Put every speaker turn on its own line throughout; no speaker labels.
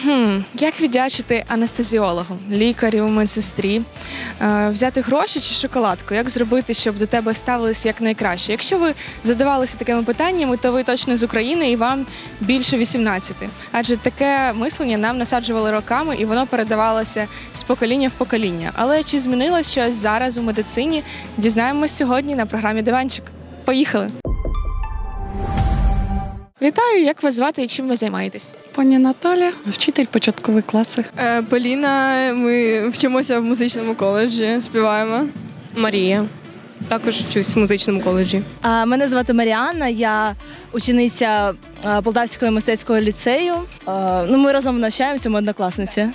Як віддячити анестезіологу, лікарю, медсестрі? Взяти гроші чи шоколадку? Як зробити, щоб до тебе ставилися як найкраще? Якщо ви задавалися такими питаннями, то ви точно з України і вам більше 18. Адже таке мислення нам насаджували роками і воно передавалося з покоління в покоління. Але чи змінилось щось зараз у медицині? Дізнаємось сьогодні на програмі «Диванчик». Поїхали! Вітаю, як вас звати і чим ви займаєтесь?
Пані Наталя, вчитель початкових класів.
Поліна, ми вчимося в музичному коледжі, співаємо.
Марія. Також вчусь в музичному коледжі.
Мене звати Маріанна, я учениця Полтавського мистецького ліцею. Ми разом навчаємося, ми однокласниці.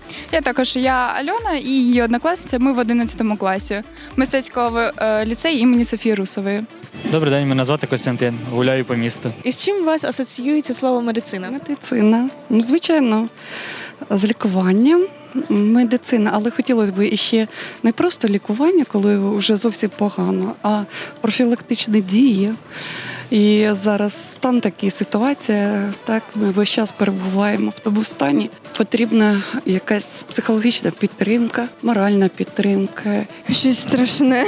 Я Альона і її однокласниця, ми в 11 класі мистецького ліцею імені Софії Русової.
Добрий день, мене звати Костянтин, гуляю по місту.
І з чим у вас асоціюється слово медицина?
Медицина. Звичайно, з лікуванням. Медицина, але хотілося б іще не просто лікування, коли вже зовсім погано, а профілактичні дії. І зараз стан такий, ситуація, так, ми весь час перебуваємо в тому стані. Потрібна якась психологічна підтримка, моральна підтримка.
Щось страшне.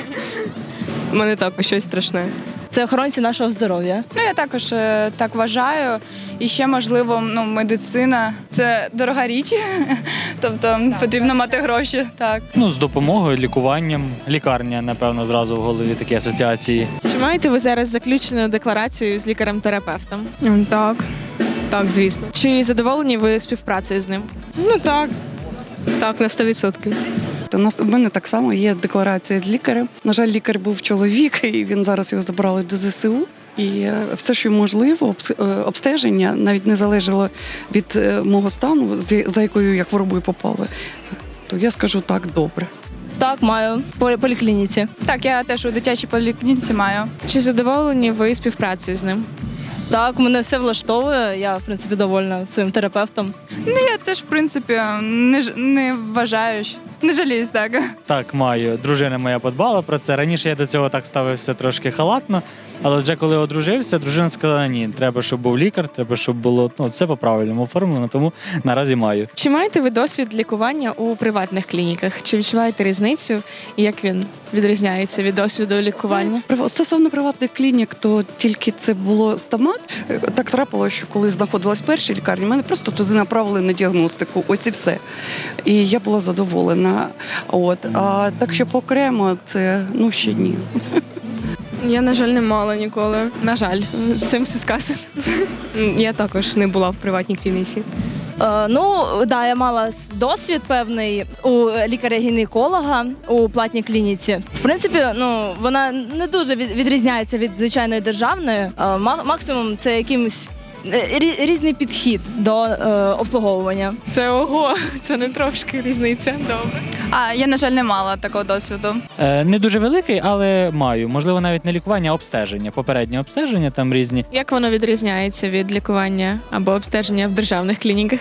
У мене також щось страшне.
Це охоронці нашого здоров'я.
Я також так вважаю. І ще, можливо, медицина – це дорога річ, тобто потрібно мати гроші. Так.
З допомогою, лікуванням, лікарня, напевно, зразу в голові такі асоціації.
Чи маєте ви зараз заключену декларацію з лікарем-терапевтом?
Так, звісно.
Чи задоволені ви співпрацею з ним?
Так, на 100%.
У мене так само є декларація з лікарем. На жаль, лікар був чоловік, і він зараз його забрали до ЗСУ. І все, що можливо, обстеження навіть не залежало від мого стану, за якою я хворобою попала, то я скажу так, добре.
Так, маю. По поліклініці.
Так, я теж у дитячій поліклініці маю.
Чи задоволені ви співпрацею з ним?
Так, мене все влаштовує, я, в принципі, довольна своїм терапевтом.
Я теж, в принципі, не вважаю, не жаліюсь, так.
Так, маю. Дружина моя подбала про це. Раніше я до цього так ставився трошки халатно, але вже коли одружився, дружина сказала, ні, треба, щоб був лікар, треба, щоб було все по-правильному оформлено, тому наразі маю.
Чи маєте ви досвід лікування у приватних клініках? Чи відчуваєте різницю і як він відрізняється від досвіду лікування?
Стосовно приватних клінік, то тільки це було стомат. Так трапилося, що коли знаходилась в першій лікарні, мене просто туди направили на діагностику, ось і все. І я була задоволена. А так, що окремо, це, ще ні.
Я, на жаль, не мала ніколи.
На жаль, з цим все сказано.
Я також не була в приватній клініці.
Я мала досвід певний у лікаря-гінеколога у платній клініці. В принципі, вона не дуже відрізняється від звичайної державної. Максимум це якимось різний підхід до обслуговування.
Це це не трошки різниця. Добре.
Я, на жаль, не мала такого досвіду.
Не дуже великий, але маю. Можливо, навіть не лікування, а обстеження. Попереднє обстеження там різні.
Як воно відрізняється від лікування або обстеження в державних клініках?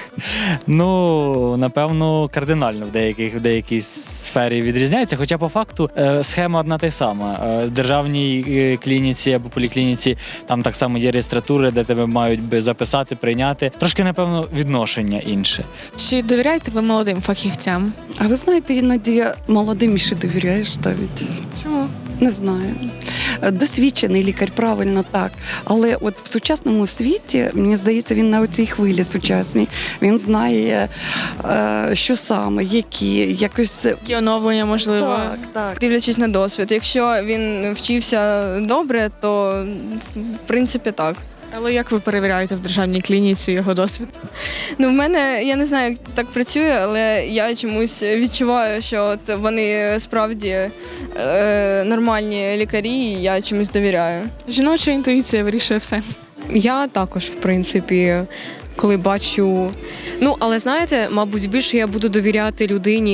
Напевно, кардинально в деякій сфері відрізняється. Хоча по факту схема одна та й сама. В державній клініці або поліклініці там так само є реєстратури, де тебе мають записати, прийняти. Трошки, напевно, відношення інше.
Чи довіряєте ви молодим фахівцям?
А ви знаєте, іноді молодим ще довіряєш навіть.
Чому?
Не знаю. Досвідчений лікар, правильно, так. Але от в сучасному світі, мені здається, він на оцій хвилі сучасній. Він знає, що саме,
Які оновлення, можливо?
Так.
Дивлячись на досвід. Якщо він вчився добре, то, в принципі, так.
Але як ви перевіряєте в державній клініці його досвід?
В мене, я не знаю, як так працює, але я чомусь відчуваю, що вони справді нормальні лікарі, і я чомусь довіряю.
Жіноча інтуїція вирішує все.
Я також, в принципі, коли бачу... але знаєте, мабуть, більше я буду довіряти людині,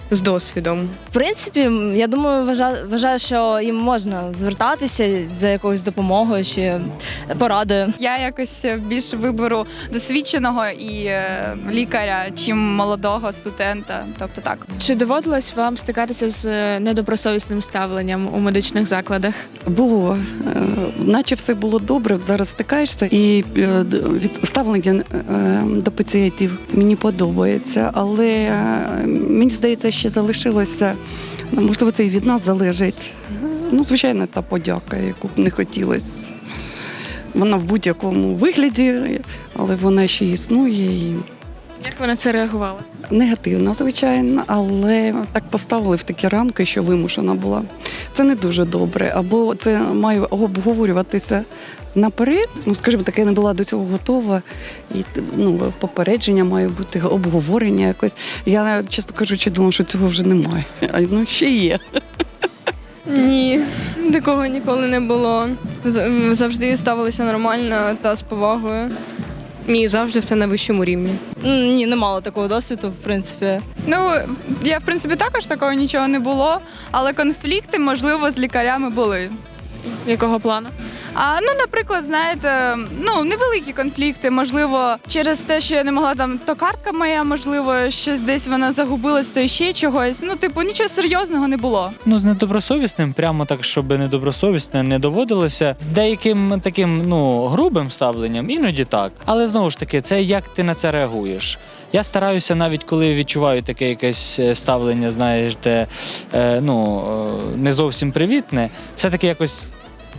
з досвідом.
В принципі, я думаю, вважаю, що їм можна звертатися за якоюсь допомогою чи порадою.
Я якось більше виберу досвідченого і лікаря, чим молодого студента. Тобто так.
Чи доводилось вам стикатися з недобросовісним ставленням у медичних закладах?
Було, наче все було добре, от зараз стикаєшся, і від ставлення до пацієнтів мені подобається, але мені здається, ще залишилося, можливо, це і від нас залежить. Ну, звичайно, та подяка, яку б не хотілося. Вона в будь-якому вигляді, але вона ще існує. І
Як ви на це реагували?
негативно, звичайно, але так поставили в такі рамки, що вимушена була. Це не дуже добре, або це має обговорюватися наперед. Ну, скажімо так, я не була до цього готова, і попередження має бути, обговорення якось. Я, чесно кажучи, думала, що цього вже немає. А ну ще є.
Ні, такого ніколи не було. Завжди ставилися нормально та з повагою.
Ні, завжди все на вищому рівні.
Ні, не мало такого досвіду, в принципі.
Ну, я, в принципі, також такого нічого не було, але конфлікти, можливо, з лікарями були.
Якого плану?
Наприклад, знаєте, невеликі конфлікти, можливо, через те, що я не могла то картка моя, можливо, щось десь вона загубилась, то ще чогось. Нічого серйозного не було.
Ну, з недобросовісним, прямо так, щоб недобросовісне не доводилося. З деяким таким, грубим ставленням, іноді так. Але знову ж таки, це як ти на це реагуєш. Я стараюся, навіть коли відчуваю таке якесь ставлення, знаєте, не зовсім привітне, все-таки якось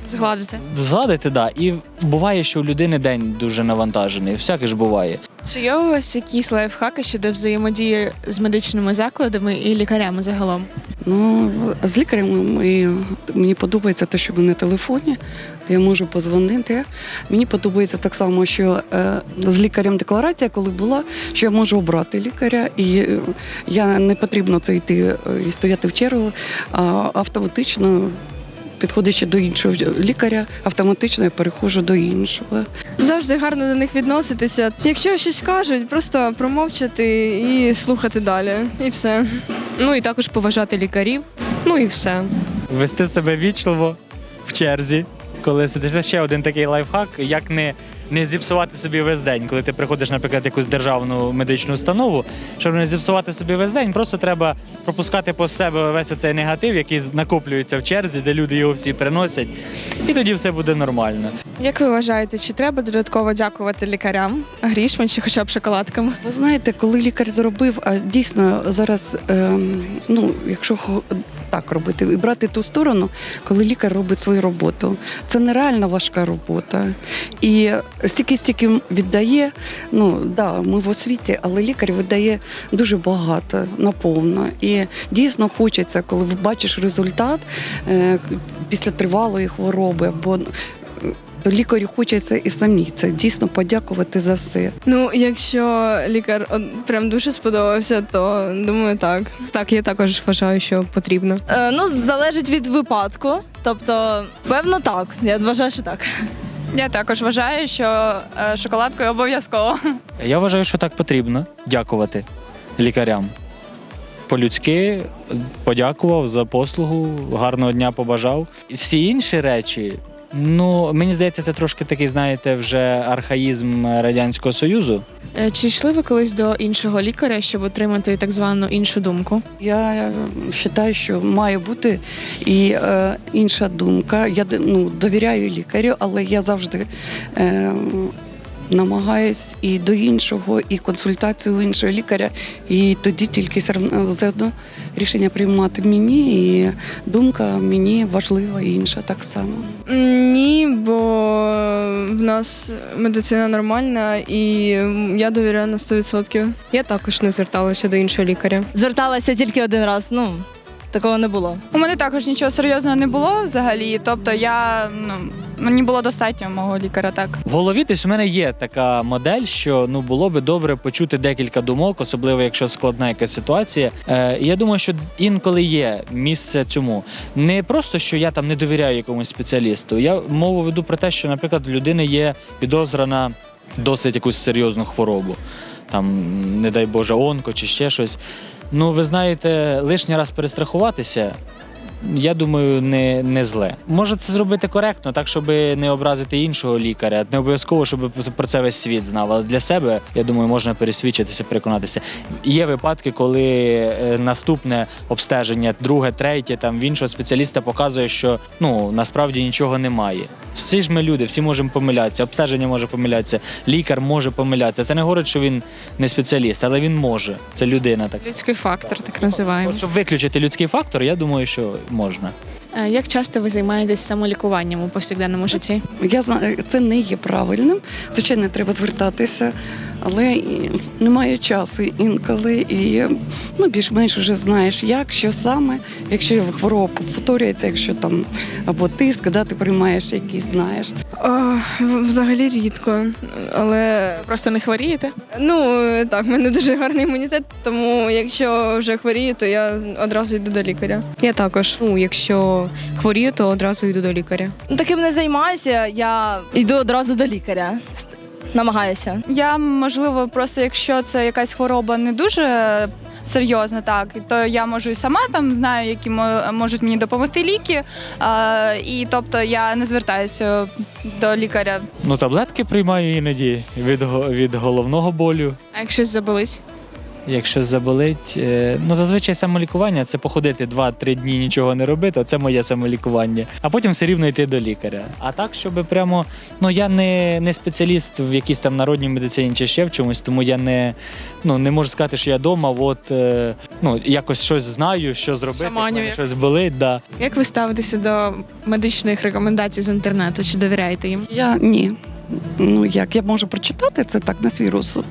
згладити, да. І буває, що у людини день дуже навантажений, всяке ж буває.
Чи є у вас якісь лайфхаки щодо взаємодії з медичними закладами і лікарями загалом?
З лікарем мені подобається те, що ми на телефоні, де я можу позвонити. Мені подобається так само, що з лікарем декларація, коли була, що я можу обрати лікаря, і я не потрібно це йти і стояти в чергу, а автоматично, підходячи до іншого лікаря, автоматично я переходжу до іншого.
Завжди гарно до них відноситися. Якщо щось кажуть, просто промовчати і слухати далі. І все.
Ну і також поважати лікарів. Ну і все.
Вести себе вічливо в черзі, коли сидиш. Це ще один такий лайфхак, як не зіпсувати собі весь день. Коли ти приходиш, наприклад, в якусь державну медичну установу, щоб не зіпсувати собі весь день, просто треба пропускати по себе весь оцей негатив, який накоплюється в черзі, де люди його всі приносять, і тоді все буде нормально.
Як ви вважаєте, чи треба додатково дякувати лікарям грішми чи хоча б шоколадками?
Ви знаєте, коли лікар зробив, а дійсно зараз, якщо так робити і брати ту сторону, коли лікар робить свою роботу, це нереально важка робота. І стільки віддає, ми в освіті, але лікар видає дуже багато, наповно. І дійсно хочеться, коли бачиш результат після тривалої хвороби, або то лікарю хочеться і самі це дійсно подякувати за все.
Якщо лікар прям дуже сподобався, то думаю, так.
Так, я також вважаю, що потрібно.
Залежить від випадку. Тобто, певно, так. Я вважаю, що так.
Я також вважаю, що шоколадкою обов'язково.
Я вважаю, що так потрібно дякувати лікарям. По-людськи подякував за послугу, гарного дня побажав. Всі інші речі, мені здається, це трошки такий, знаєте, вже архаїзм Радянського Союзу.
Чи йшли ви колись до іншого лікаря, щоб отримати так звану іншу думку?
Я вважаю, що має бути і інша думка. Я довіряю лікарю, але я завжди намагаюсь і до іншого, і консультацію у іншого лікаря, і тоді тільки заодно рішення приймати мені, і думка мені важлива, і інша так само.
Ні, бо в нас медицина нормальна, і я довіряю на 100%.
Я також не зверталася до іншого лікаря.
Зверталася тільки один раз, такого не було.
У мене також нічого серйозного не було взагалі, тобто мені було достатньо мого лікаря, так.
В голові десь у мене є така модель, що було би добре почути декілька думок, особливо якщо складна якась ситуація. І я думаю, що інколи є місце цьому. Не просто, що я там не довіряю якомусь спеціалісту. Я мову веду про те, що, наприклад, в людини є підозра на досить якусь серйозну хворобу. там, не дай Боже, онко чи ще щось. Ну, ви знаєте, лишній раз перестрахуватися, я думаю, не зле. Може це зробити коректно, так, щоб не образити іншого лікаря. Не обов'язково, щоб про це весь світ знав. Але для себе, я думаю, можна пересвідчитися, переконатися. Є випадки, коли наступне обстеження, друге, третє, там, в іншого спеціаліста показує, що насправді нічого немає. Всі ж ми люди, всі можемо помилятися, обстеження може помилятися, лікар може помилятися. Це не говорить, що він не спеціаліст, але він може. Це людина так.
Людський фактор, так називаємо.
От, щоб виключити людський фактор, я думаю, що можна.
Як часто ви займаєтесь самолікуванням у повсякденному житті?
Я знаю, це не є правильним. Звичайно, треба звертатися, але немає часу інколи. І більш-менш вже знаєш, як, що саме, якщо хвороба повторюється, якщо там або тиск, ти приймаєш якийсь, знаєш.
Взагалі рідко, але
Просто не хворієте?
так, в мене дуже гарний імунітет, тому якщо вже хворію, то я одразу йду до лікаря.
Я також. Якщо хворію, то одразу йду до лікаря.
Таким не займаюся, я йду одразу до лікаря. Намагаюся.
Я, можливо, просто якщо це якась хвороба не дуже серйозна, так, то я можу і сама там знаю, які можуть мені допомогти ліки. І тобто я не звертаюся до лікаря.
Таблетки приймаю іноді від головного болю.
А якщо заболить?
Якщо заболить, зазвичай самолікування – це походити 2-3 дні нічого не робити, це моє самолікування. А потім все рівно йти до лікаря. А так, щоб прямо, я не спеціаліст в якійсь там народній медицині чи ще в чомусь, тому я не можу сказати, що я вдома, якось щось знаю, що зробити,
Шаманю
коли
якось.
щось болить. Да.
Як ви ставитеся до медичних рекомендацій з інтернету? Чи довіряєте їм?
Ні. Я можу прочитати це так на свій розсуд.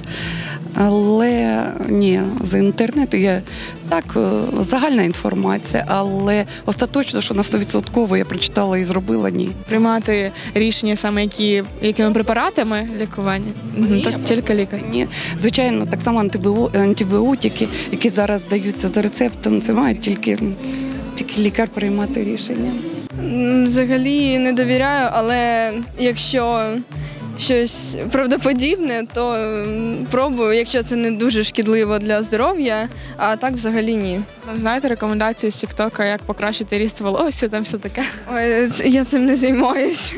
Але ні, з інтернету є загальна інформація, але остаточно, що на 100% я прочитала і зробила, ні.
Приймати рішення саме якими препаратами лікування? Так, тільки лікар.
Ні, звичайно, так само антибіотики, які зараз даються за рецептом, це має тільки лікар приймати рішення.
Взагалі не довіряю, але якщо щось правдоподібне, то пробую, якщо це не дуже шкідливо для здоров'я, а так взагалі ні.
Знаєте рекомендації з Тіктока, як покращити ріст волосся, там все таке?
Ой, я цим не займаюся.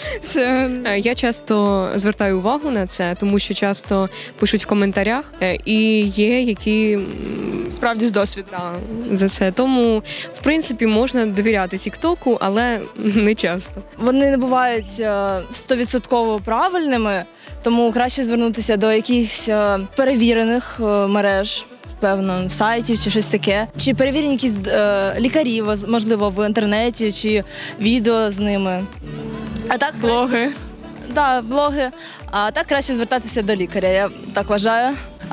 Я часто звертаю увагу на це, тому що часто пишуть в коментарях, і є які
Справді з досвіду.
за це. Тому, в принципі, можна довіряти Тіктоку, але не часто.
Вони не бувають 100% правильними, тому краще звернутися до якихось перевірених мереж, певно, сайтів чи щось таке. Чи перевірені якісь лікарі, можливо, в інтернеті, чи відео з ними. А так
Блоги.
блоги. А так краще звертатися до лікаря, я так вважаю.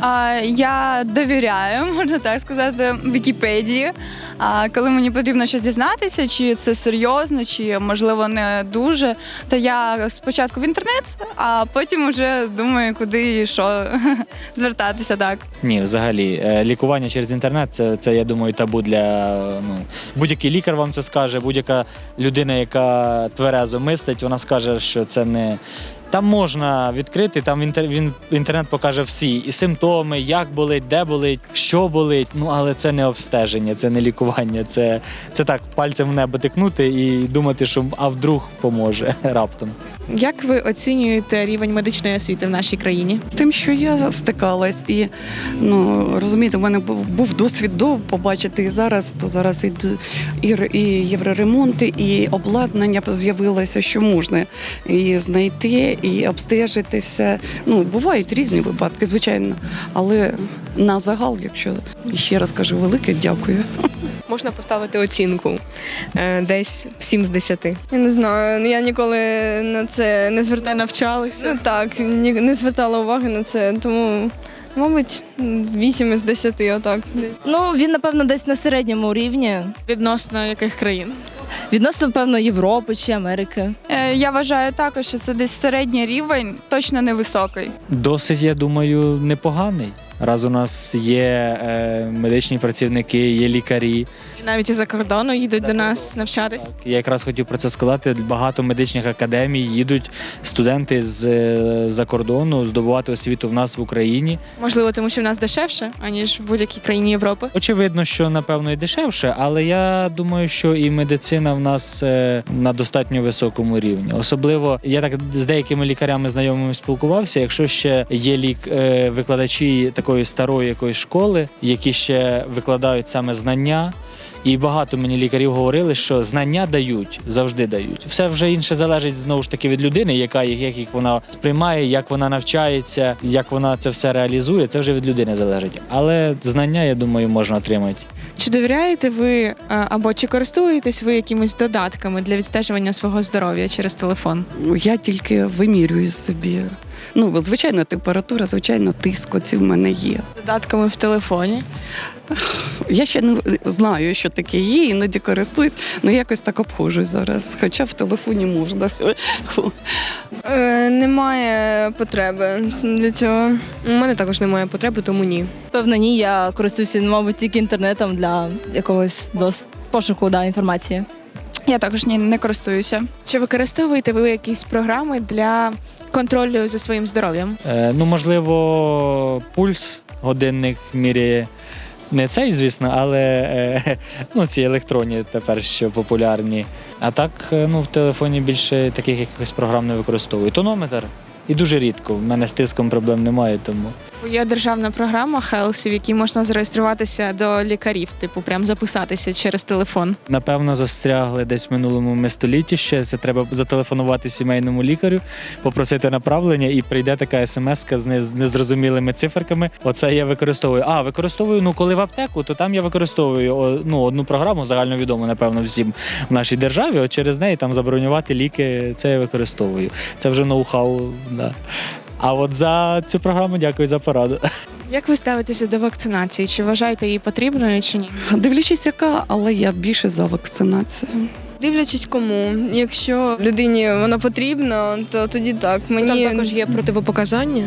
Я довіряю, можна так сказати, Вікіпедії. Коли мені потрібно щось дізнатися, чи це серйозно, чи, можливо, не дуже, то я спочатку в інтернет, а потім вже думаю, куди і що звертатися, так.
Ні, взагалі, лікування через інтернет це, я думаю, табу для будь-який лікар вам це скаже, будь-яка людина, яка тверезо мислить, вона скаже, що це не. Там можна відкрити, там інтернет покаже всі і симптоми, як болить, де болить, що болить. Але це не обстеження, це не лікування. Це так, пальцем в небо тикнути і думати, що вдруг поможе раптом.
Як ви оцінюєте рівень медичної освіти в нашій країні?
З тим, що я стикалась, і розумієте, в мене був досвід побачити і зараз, то зараз і євроремонти, і обладнання з'явилося, що можна і знайти, і обстежитися. Бувають різні випадки, звичайно, але на загал, якщо ще раз кажу, велике дякую.
Можна поставити оцінку десь 7 з 10.
Я не знаю, я ніколи на це не звертала.
Навчалися?
Не звертала уваги на це, тому, мабуть, 8 із 10, отак.
Він, напевно, десь на середньому рівні.
Відносно яких країн?
Відносно, певно, Європи чи Америки.
Я вважаю також, що це десь середній рівень, точно не високий.
Досить, я думаю, непоганий. Раз у нас є медичні працівники, є лікарі.
І навіть із-за кордону їдуть до нас навчатись.
Я якраз хотів про це сказати. Багато медичних академій їдуть студенти з-за кордону здобувати освіту в нас в Україні.
Можливо, тому що в нас дешевше, аніж в будь-якій країні Європи.
Очевидно, що напевно і дешевше, але я думаю, що і медицина в нас на достатньо високому рівні. Особливо я так з деякими лікарями знайомими спілкувався. Якщо ще є викладачі такої старої якоїсь школи, які ще викладають саме знання. І багато мені лікарів говорили, що знання дають, завжди дають. Все вже інше залежить знову ж таки від людини, як їх вона сприймає, як вона навчається, як вона це все реалізує. Це вже від людини залежить. Але знання, я думаю, можна отримати.
Чи довіряєте ви або чи користуєтесь ви якимись додатками для відстежування свого здоров'я через телефон?
Я тільки вимірюю собі. Ну, звичайно, температура, звичайно, тиск оці в мене є.
Додатками в телефоні?
Я ще не знаю, що таке є, іноді користуюсь, але якось так обходжусь зараз. Хоча в телефоні можна.
Немає потреби для цього.
У мене також немає потреби, тому ні.
Певно, ні, я користуюся, мабуть, тільки інтернетом для якогось пошуку інформації.
Я також не користуюся.
Чи використовуєте ви якісь програми для контролю за своїм здоров'ям?
Можливо, пульс, годинник міряє. Не цей, звісно, але ці електронні тепер що популярні. А так, в телефоні більше таких якихось програм не використовую. Тонометр. І дуже рідко. В мене з тиском проблем немає, тому.
Є державна програма Хелсі, в якій можна зареєструватися до лікарів, прям записатися через телефон.
Напевно, застрягли десь в минулому столітті ще. Це треба зателефонувати сімейному лікарю, попросити направлення, і прийде така смс-ка з незрозумілими циферками. Оце я використовую. Використовую, коли в аптеку, то там я використовую одну програму, загальновідому, напевно, всім в нашій державі. От через неї там забронювати ліки, це я використовую. Це вже ноу-хау, да. А от за цю програму дякую за пораду.
Як ви ставитеся до вакцинації? Чи вважаєте її потрібною, чи ні?
Дивлячись, яка, але я більше за вакцинацію.
Дивлячись кому. Якщо людині воно потрібно, то тоді так.
Там також є противопоказання,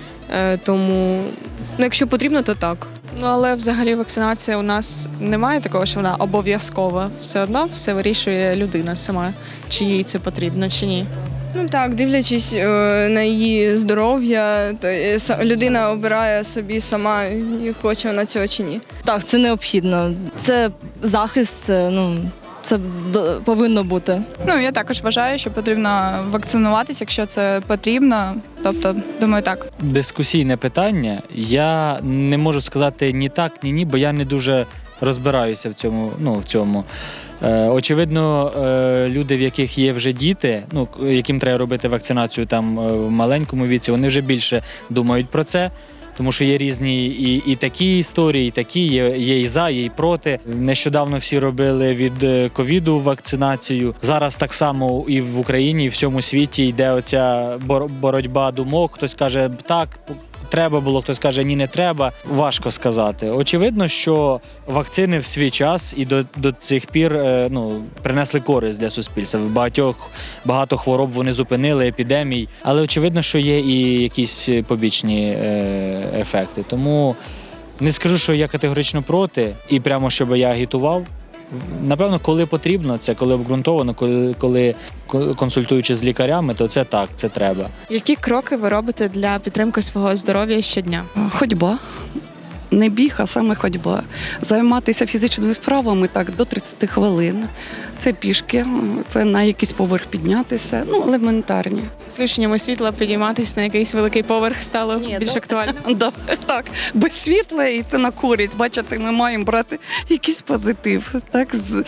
тому якщо потрібно, то так.
Але взагалі вакцинація у нас немає такого, що вона обов'язкова. Все одно все вирішує людина сама, чи їй це потрібно, чи ні.
Так, дивлячись на її здоров'я, то людина обирає собі сама, хоче вона цього чи ні.
Так, це необхідно. Це захист, це повинно бути.
Я також вважаю, що потрібно вакцинуватися, якщо це потрібно. Тобто, думаю, так.
Дискусійне питання. Я не можу сказати ні так, ні ні, бо я не дуже розбираюся в цьому. Очевидно, люди, в яких є вже діти, яким треба робити вакцинацію там в маленькому віці, вони вже більше думають про це. Тому що є різні і такі історії, і такі, є і за, є і проти. Нещодавно всі робили від ковіду вакцинацію. Зараз так само і в Україні, і в всьому світі йде оця боротьба думок. Хтось каже так, треба було, хтось каже ні, не треба. Важко сказати. Очевидно, що вакцини в свій час і до цих пір принесли користь для суспільства. Багато хвороб вони зупинили, епідемій. Але очевидно, що є і якісь побічні ефекти. Тому не скажу, що я категорично проти і прямо, щоб я агітував. Напевно, коли потрібно, це коли обґрунтовано, коли консультуючи з лікарями, то це так, це треба.
Які кроки ви робите для підтримки свого здоров'я щодня?
Ходьба. Не біг, а саме ходьба. Займатися фізичними справами так до 30 хвилин. Це пішки, це на якийсь поверх піднятися, елементарні.
З включеннями світла підійматися на якийсь великий поверх стало більш актуально?
Так, без світла і це на користь. Бачите, ми маємо брати якийсь позитив. Так,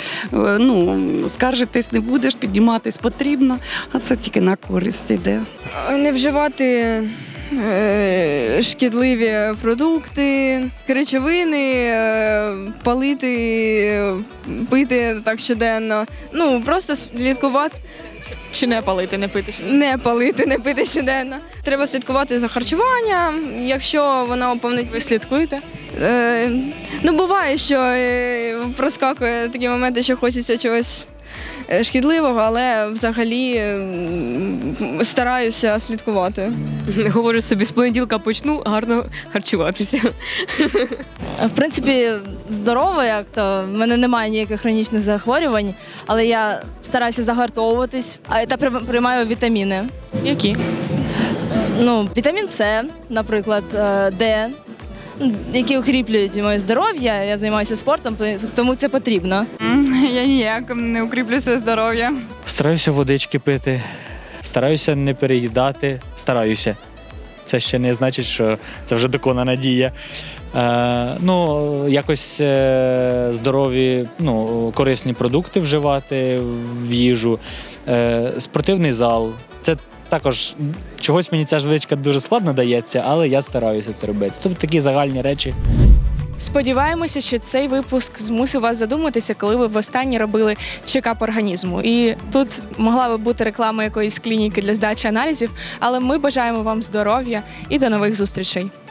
скаржитись не будеш, підійматись потрібно, а це тільки на користь йде.
Не вживати шкідливі продукти, речовини, палити, пити так щоденно. Просто слідкувати.
Чи не палити, не пити?
Не палити, не пити щоденно. Треба слідкувати за харчуванням, якщо воно повноцінне.
Ви слідкуєте?
Буває, що проскакує такі моменти, що хочеться чогось шкідливого, але взагалі стараюся слідкувати.
Говорю собі, з понеділка почну гарно харчуватися.
В принципі, здорово, як то в мене немає ніяких хронічних захворювань, але я стараюся загартовуватись та приймаю вітаміни.
Які?
Ну, вітамін С, наприклад, Д, які укріплюють моє здоров'я. Я займаюся спортом, тому це потрібно.
Я ніяк не укріплю своє здоров'я.
Стараюся водички пити, стараюся не переїдати. Стараюся. Це ще не значить, що це вже доконана дія. Якось здорові, корисні продукти вживати в їжу, спортивний зал. Це також чогось мені ця звичка дуже складно дається, але я стараюся це робити. Тобто такі загальні речі.
Сподіваємося, що цей випуск змусив вас задуматися, коли ви востаннє робили чекап організму. І тут могла би бути реклама якоїсь клініки для здачі аналізів, але ми бажаємо вам здоров'я і до нових зустрічей.